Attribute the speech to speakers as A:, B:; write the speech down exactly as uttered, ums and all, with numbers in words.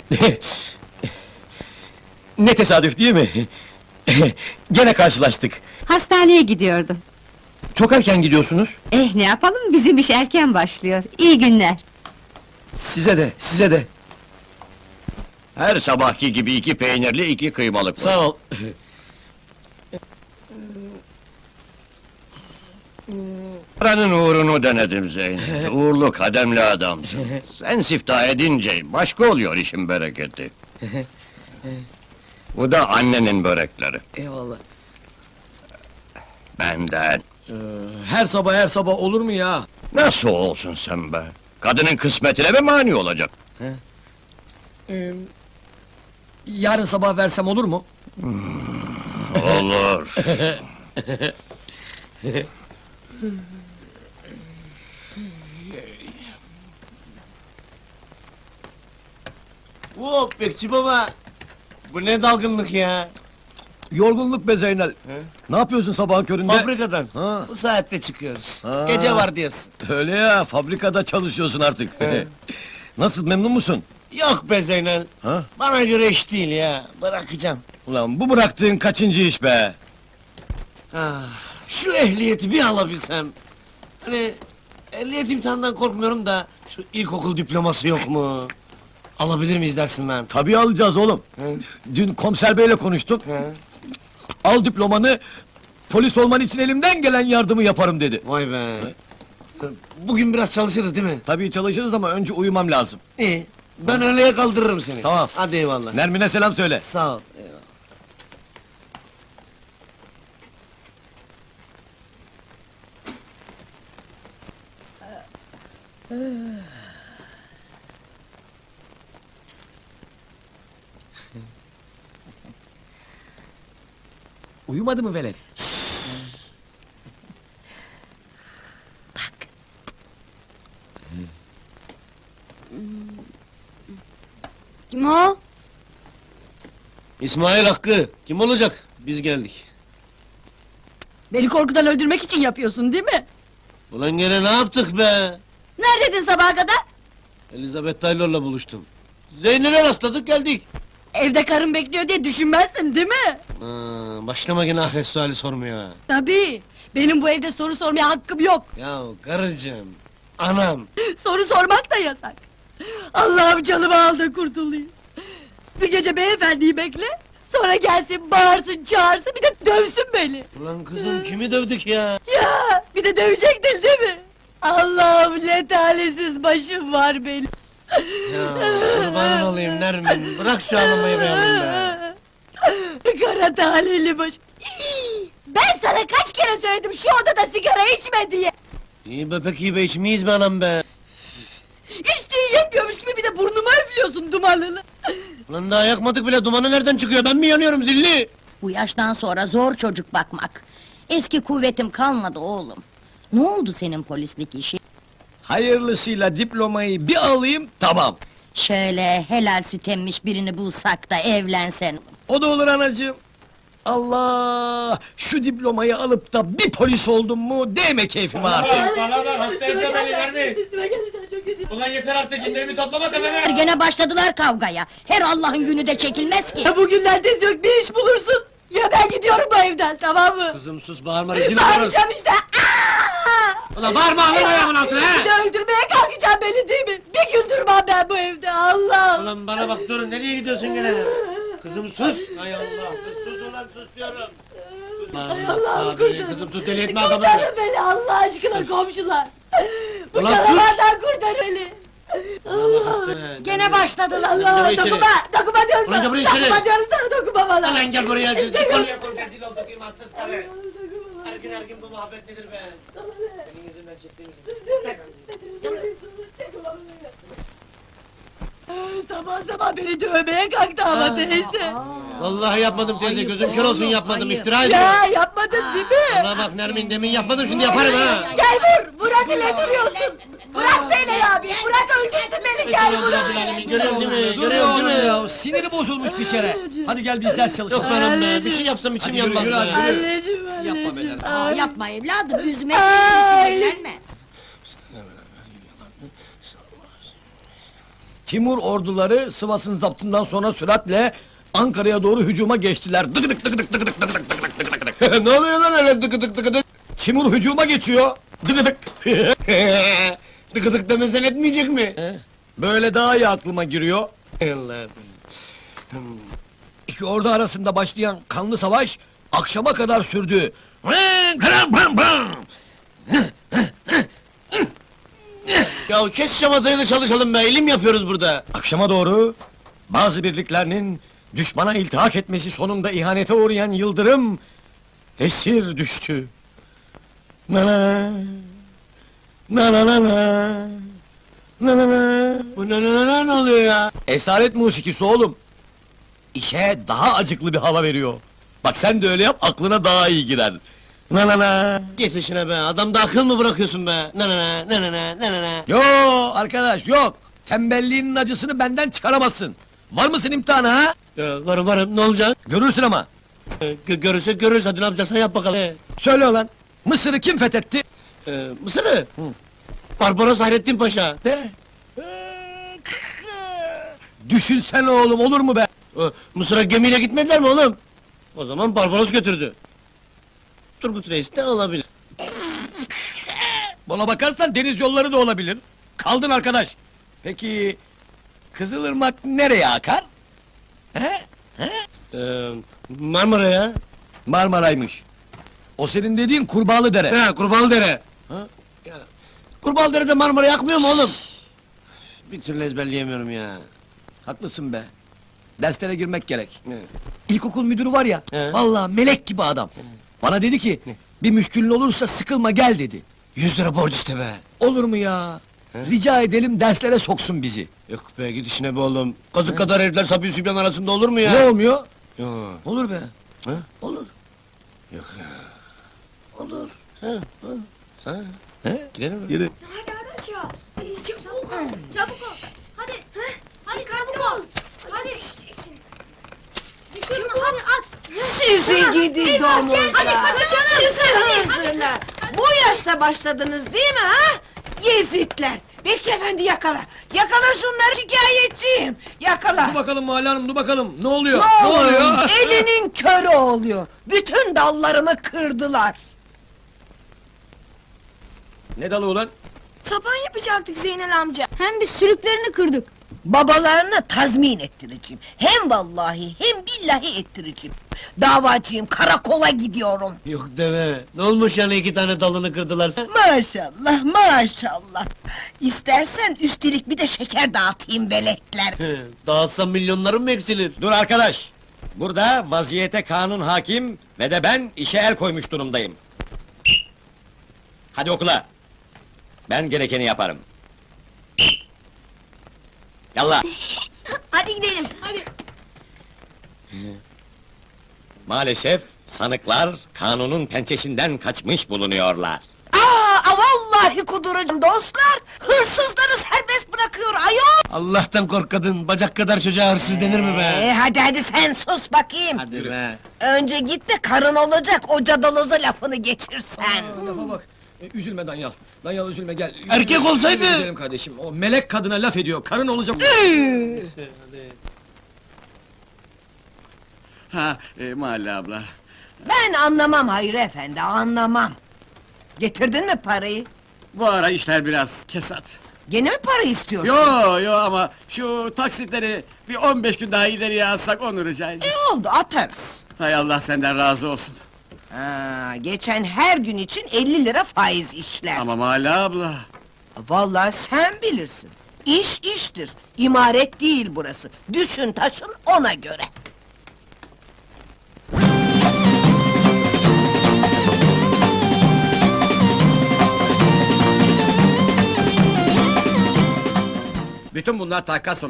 A: Ne tesadüf değil mi? Gene karşılaştık.
B: Hastaneye gidiyordum.
A: Çok erken gidiyorsunuz.
B: Eh, ne yapalım, bizim iş erken başlıyor. İyi günler.
A: Size de, size de.
C: Her sabahki gibi iki peynirli, iki kıymalık var.
A: Sağ ol.
C: Paranın uğrunu denedim Zeynep. Uğurlu, kademli adamsın. Sen siftah edince başka oluyor işin bereketi. Bu da annenin börekleri.
A: Eyvallah.
C: Benden.
A: Ee, her sabah her sabah olur mu ya?
C: Nasıl olsun sen be? Kadının kısmetine mi mani olacak?
A: Ee, yarın sabah versem olur mu?
C: Olur.
D: Hop bekçi baba! Bu ne dalgınlık ya?
A: Yorgunluk be Zeynel. Ne yapıyorsun sabahın köründe?
D: Fabrikadan.
A: Ha.
D: Bu saatte çıkıyoruz.
A: Ha.
D: Gece vardiyası.
A: Öyle ya, fabrikada çalışıyorsun artık. Nasıl, memnun musun?
D: Yok be Zeynel.
A: Ha?
D: Bana göre iş değil ya. Bırakacağım.
A: Ulan bu bıraktığın kaçıncı iş be?
D: Ah, şu ehliyeti bir alabilsem. Hani ehliyet imtihanından korkmuyorum da şu ilkokul diploması yok mu? Alabilir miyiz dersin lan?
A: Tabii alacağız oğlum.
D: Hı?
A: Dün komiser beyle konuştum.
D: He?
A: Al diplomanı, polis olman için elimden gelen yardımı yaparım dedi.
D: Vay be. Bugün biraz çalışırız değil mi?
A: Tabii çalışırız ama önce uyumam lazım.
D: İyi. Ben öğleye kaldırırım seni.
A: Tamam.
D: Hadi eyvallah.
A: Nermin'e selam söyle.
D: Sağ ol. Eyvallah.
A: Uyumadı mı velet?
B: Kim o?
D: İsmail Hakkı, kim olacak? Biz geldik.
E: Beni korkudan öldürmek için yapıyorsun değil mi?
D: Ulan gene ne yaptık be?
E: Neredeydin sabaha kadar?
D: Elizabeth Taylor'la buluştum. Zeynep'e rastladık geldik.
E: Evde karın bekliyor diye düşünmezsin değil mi?
D: Aa, başlama gene ahiret suali sormaya.
E: Tabii. Benim bu evde soru sormaya hakkım yok.
D: Ya karıcığım, anam.
E: Soru sormak da yasak. Allah'ım canımı al da kurtulayım. Bir gece beyefendiyi bekle. Sonra gelsin, bağırsın, çağırsın, bir de dövsün beni.
D: Ulan kızım kimi dövdük ya?
E: Ya, bir de dövecektin değil mi? Allah'ım ne talihsiz başım var benim.
D: Ya kurban olayım Nermin, bırak şu ağlamayı be yavrum be.
E: Kara talihli baş. İy! Ben sana kaç kere söyledim şu odada sigara içme diye.
D: İyi be pek iyi be içmeyiz be anam be.
E: İçtiğin yetmiyormuş gibi bir de burnuma üflüyorsun dumanını.
D: Ulan daha yakmadık bile, dumanı nereden çıkıyor? Ben mi yanıyorum zilli?
F: Bu yaştan sonra zor çocuk bakmak. Eski kuvvetim kalmadı oğlum. Ne oldu senin polislik işi?
A: Hayırlısıyla diplomayı bir alayım, tamam.
F: Şöyle helal süt emmiş birini bulsak da evlensen.
A: O da olur anacığım. Allah! Şu diplomayı alıp da bir polis oldum mu, değme keyfime artık.
D: Bana bak, hasta etme beni Nermin!
E: Üstüme geldi sen çok kötü.
D: Ulan yeter artık, cinlerimi toplama tepeme!
F: Gene başladılar kavgaya. Her Allah'ın günü de çekilmez ki.
E: Ya bugünlerde yok bir iş bulursun. Ya ben gidiyorum bu evden tamam mı?
D: Kızım sus, bağırma, rezil oluruz!
E: Bağıracağım işte. Aa!
D: Ulan bağırma, alın ayağımın altına
E: Bir de
D: he!
E: öldürmeye kalkacağım beni değil mi? Bir gün durmam ben bu evde Allah!
D: Ulan bana bak dur, nereye gidiyorsun gene? Kızım sus! Hay Allah, sus, sus ulan sus diyorum!
E: Ay Allah'ım
D: Sabri,
E: kurtar!
D: kızım sus, deli etme adamı!
E: Kurtarın beni Allah aşkına komşular! Bu
D: Ulan sus!
E: canavardan kurtar beni!
F: Gene başladılar.
E: Allah
D: Gel içeri.
E: dokunma! Dokunma diyorum
D: Ulan gel
E: sana!
D: buraya içeri.
E: Dokunma diyorum sana dokunma bana!
D: Ulan gel buraya, gel
E: İstemiyorum.
D: konuya koy, rezil olduk imansız karı! Her gün her gün bu muhabbet nedir be? Senin yüzünden çektiğimiz...
E: Sabah sabah beni dövmeye kalktı ama teyze!
D: Vallahi yapmadım teyze,
F: Ayıp
D: gözüm kör olsun
F: oğlum,
D: yapmadım,
F: ayıp.
D: iftira ediyorum!
E: Ya yapmadın değil mi?
D: Bana bak Nermin, demin yapmadım, şimdi yaparım ha!
E: Gel vur! Bırak ile duruyorsun! Bırak Zeynep abi! Bırak öldürsün beni gel vur!
D: Görüyorsun değil mi?
A: Dur
D: Görüyorsun değil mi?
A: ya, siniri bozulmuş bir kere. Hadi gel biz ders çalışalım.
D: Yok benim be, bir şey yapsam içim
A: Hadi yürü,
D: yanmaz
A: yürü,
D: be!
A: hadi.
E: Anneciğim anneciğim!
A: Yapma beni.
F: Aa, yapma evladım, üzme
E: Ay.
F: sinirlenme.
A: Timur orduları Sivas'ın zaptından sonra süratle Ankara'ya doğru hücuma geçtiler. Dık dık dık dık dık dık dık dık dık dık dık dık.
D: Ne oluyor lan öyle dıkı dık dıkı dık?
A: Timur hücuma geçiyor. Dık dık.
D: Dıkı dık demezden etmeyecek mi?
A: Böyle daha iyi aklıma giriyor.
D: Allah'ım.
A: İki ordu arasında başlayan kanlı savaş akşama kadar sürdü.
D: Ya kes şamatayı da çalışalım be, ilim yapıyoruz burada.
A: Akşama doğru bazı birliklerinin düşmana iltihak etmesi sonunda ihanete uğrayan Yıldırım esir düştü. Na na na na na na na na na.
D: Bu ne ne ne ne oluyor ya?
A: Esaret musikisi oğlum. İşe daha acıklı bir hava veriyor. Bak sen de öyle yap, aklına daha iyi girer. Na na na.
D: Git işine be, adamda akıl mı bırakıyorsun be? Ne ne ne ne ne ne ne ne ne.
A: Yo arkadaş yok. Tembelliğinin acısını benden çıkaramazsın. Var mısın imtihana ha?
D: Ya, varım varım, ne olacak?
A: Görürsün ama.
D: Ee, gö görürsek görürüz, hadi ne yapacaksan yap bakalım. Ee,
A: Söyle ulan. Mısır'ı kim fethetti?
D: e, Mısır'ı? Barbaros Hayrettin Paşa.
A: De. Düşünsene oğlum, olur mu be?
D: Ee, Mısır'a gemiyle gitmediler mi oğlum? O zaman Barbaros götürdü. Turgut Reis de olabilir.
A: Bana bakarsan deniz yolları da olabilir. Kaldın arkadaş. Peki Kızılırmak nereye akar? He?
D: Ee, Marmara'ya.
A: Marmaraymış. O senin dediğin Kurbağalı Dere.
D: He, Kurbağalıdere.
A: Ha?
D: Kurbağalıdere'de Marmara yakmıyor mu oğlum? Bir türlü ezberleyemiyorum ya.
A: Haklısın be. Derslere girmek gerek.
D: Ne?
A: İlkokul müdürü var ya,
D: He.
A: vallahi melek gibi adam. Bana dedi ki, bir müşkülün olursa sıkılma gel dedi.
D: Yüz lira borç iste be.
A: Olur mu ya? Rica edelim derslere soksun bizi.
D: Yok be, git işine be oğlum. Kazık kadar herifler Sabi Sübyan arasında olur mu ya?
A: Ne olmuyor?
D: Yok.
A: Olur be.
D: Ha?
A: Olur.
D: Yok ya.
A: Olur.
D: Ha?
A: He?
D: Gidelim mi?
A: Yürü.
G: Hadi hadi aşağı. Çabuk ol. Çabuk ol. Hadi. Hadi çabuk ol. Hadi. Düşeceksin. Düşürme hadi at.
E: Sizi gidi
G: Eyvah,
E: domuzlar!
G: gel, hadi kaçalım.
E: Sizi
G: Hadi,
E: hızırlar! Bu yaşta başladınız değil mi ha? Yezitler! Bekçi efendi yakala! Yakala şunları, şikayetçiyim! Yakala!
A: Dur bakalım Mahalle Hanım, dur bakalım. Ne oluyor?
E: Ne oluyor? Elinin körü oluyor! Bütün dallarımı kırdılar!
A: Ne dalı ulan?
G: Sapan yapacaktık Zeynel amca.
B: Hem biz sürüklerini kırdık.
E: Babalarına tazmin ettireceğim! Hem vallahi hem billahi ettireceğim! Davacıyım, karakola gidiyorum!
D: Yok deme. Ne olmuş yani iki tane dalını kırdılar sen?
E: Maşallah, maşallah! İstersen üstelik bir de şeker dağıtayım veletler!
D: Dağıtsam milyonlarım mı eksilir?
A: Dur arkadaş! Burada vaziyete kanun hakim ve de ben işe el koymuş durumdayım. Hadi okula! Ben gerekeni yaparım. Yallah!
G: Hadi gidelim. Hadi.
A: Maalesef sanıklar kanunun pençesinden kaçmış bulunuyorlar.
E: Aa, vallahi kuduracağım dostlar! Hırsızları serbest bırakıyor ayol!
D: Allah'tan kork kadın, bacak kadar çocuğa hırsız denir mi be?
E: Ee, hadi hadi sen sus bakayım!
D: Hadi be.
E: Önce git de karın olacak o cadaloza lafını getirsen!
A: Lafa bak! E, üzülme Danyal, Danyal üzülme gel.
D: Erkek
A: Üzülme,
D: olsaydı-
A: üzülme gidelim kardeşim, o melek kadına laf ediyor, karın olacak...
H: Ha, e, Mahalle abla.
E: Ben anlamam Hayri efendi, anlamam! Getirdin mi parayı?
H: Bu ara işler biraz kesat.
E: Gene mi para istiyorsun?
H: Yo yo ama şu taksitleri bir on beş gün daha ileriye alsak onu rica edeceğim.
E: İyi oldu, atarız!
H: Hay Allah senden razı olsun.
E: Ha, geçen her gün için elli lira faiz işler!
H: Ama Mahalle abla.
E: Vallahi sen bilirsin! İş iştir, imaret değil burası! Düşün taşın ona göre!
C: Bütün bunlar takas